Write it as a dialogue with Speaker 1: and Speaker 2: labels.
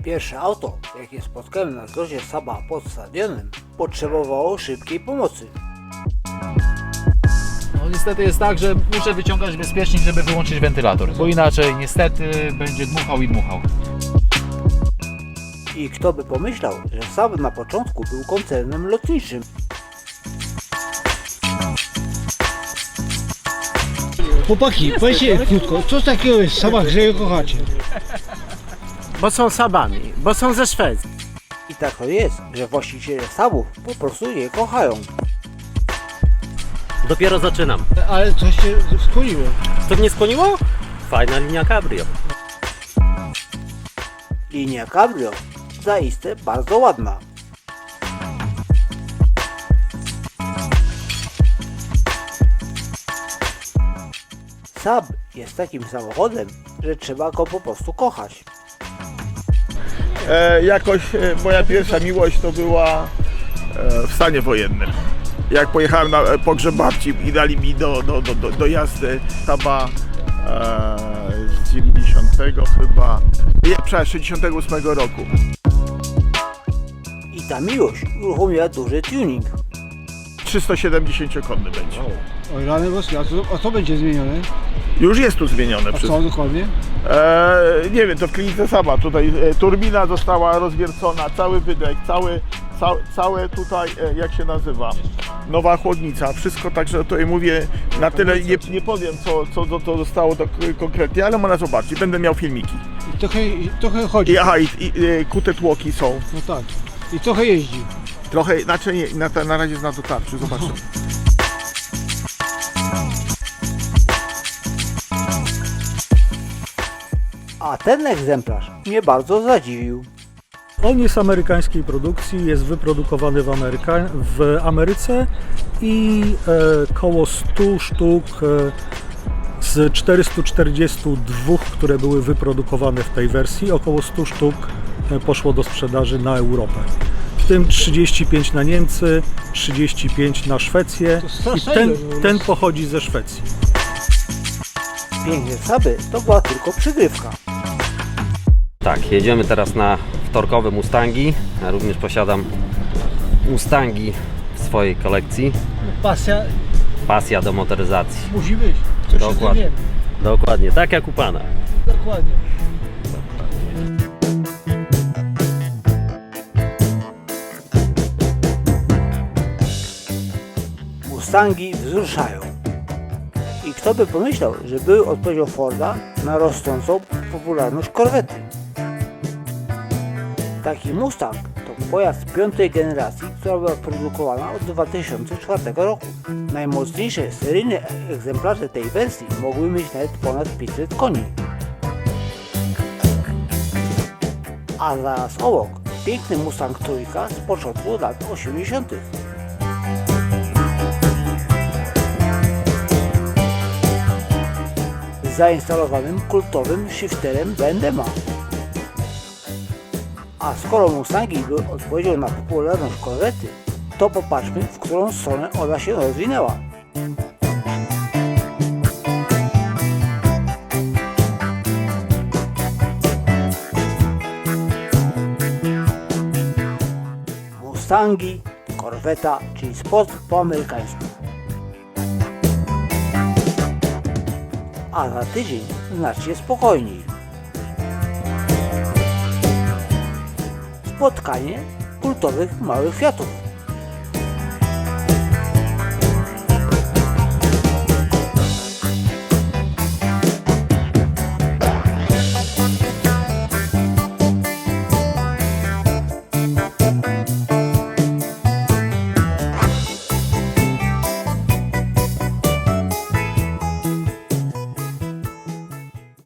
Speaker 1: Pierwsze auto, jakie spotkałem na zlocie Saaba pod stadionem, potrzebowało szybkiej pomocy.
Speaker 2: No niestety jest tak, że muszę wyciągać bezpiecznik, żeby wyłączyć wentylator, bo inaczej niestety będzie dmuchał i dmuchał.
Speaker 1: I kto by pomyślał, że Saab na początku był koncernem lotniczym.
Speaker 3: Chłopaki, powiedzcie krótko, co takiego jest w Saabach, że je kochacie?
Speaker 4: Bo są Saabami, bo są ze Szwecji.
Speaker 1: I tak to jest, że właściciele Saabów po prostu je kochają.
Speaker 5: Dopiero zaczynam.
Speaker 3: Ale coś się skłoniło.
Speaker 5: Co mnie skłoniło? Fajna linia Cabrio.
Speaker 1: Linia Cabrio zaiste bardzo ładna. Saab jest takim samochodem, że trzeba go po prostu kochać.
Speaker 6: Jakoś moja pierwsza miłość to była w stanie wojennym. Jak pojechałem na pogrzeb babci i dali mi do jazdy Saaba z 90 chyba, nie, przepraszam, 68 roku.
Speaker 1: I ta miłość uruchomiła duży tuning.
Speaker 6: 370-konny będzie.
Speaker 3: Oj, rany boskie, a co będzie zmienione?
Speaker 6: Już jest tu zmienione.
Speaker 3: A co dokładnie?
Speaker 6: Nie wiem, to w klinice Saaba. Tutaj turbina została rozwiercona, cały wydech, całe tutaj, jak się nazywa, nowa chłodnica, wszystko, także tutaj mówię, na tyle nie powiem co zostało to konkretnie, ale można zobaczyć, będę miał filmiki.
Speaker 3: I trochę chodzi.
Speaker 6: I kute tłoki są.
Speaker 3: No tak. I trochę jeździ.
Speaker 6: Trochę, znaczy nie, na razie jest na dotarciu, zobaczymy.
Speaker 1: A ten egzemplarz mnie bardzo zadziwił.
Speaker 7: On jest amerykańskiej produkcji, jest wyprodukowany w Ameryce i koło 100 sztuk z 442, które były wyprodukowane w tej wersji, około 100 sztuk poszło do sprzedaży na Europę. W tym 35 na Niemcy, 35 na Szwecję i ten pochodzi ze Szwecji.
Speaker 1: Piękne Saaby to była tylko przygrywka.
Speaker 5: Tak, jedziemy teraz na wtorkowe Mustangi. Ja również posiadam Mustangi w swojej kolekcji.
Speaker 3: Pasja
Speaker 5: Pasja do motoryzacji.
Speaker 3: musi być. Coś
Speaker 5: Dokładnie. Dokładnie, tak jak u Pana.
Speaker 3: Dokładnie.
Speaker 1: Mustangi wzruszają. I kto by pomyślał, że były odpowiedzią Forda na rosnącą popularność korwety. Taki Mustang to pojazd piątej generacji, która była produkowana od 2004 roku. Najmocniejsze seryjne egzemplarze tej wersji mogły mieć nawet ponad 500 koni. A zaraz obok piękny Mustang trójka z początku lat 80. Z zainstalowanym kultowym shifterem Bendema. A skoro Mustangi były odpowiedzią na popularność korwety, to popatrzmy, w którą stronę ona się rozwinęła. Mustangi, korweta, czyli sport po amerykańsku. A za tydzień znacznie spokojniej. Spotkanie kultowych małych Fiatów.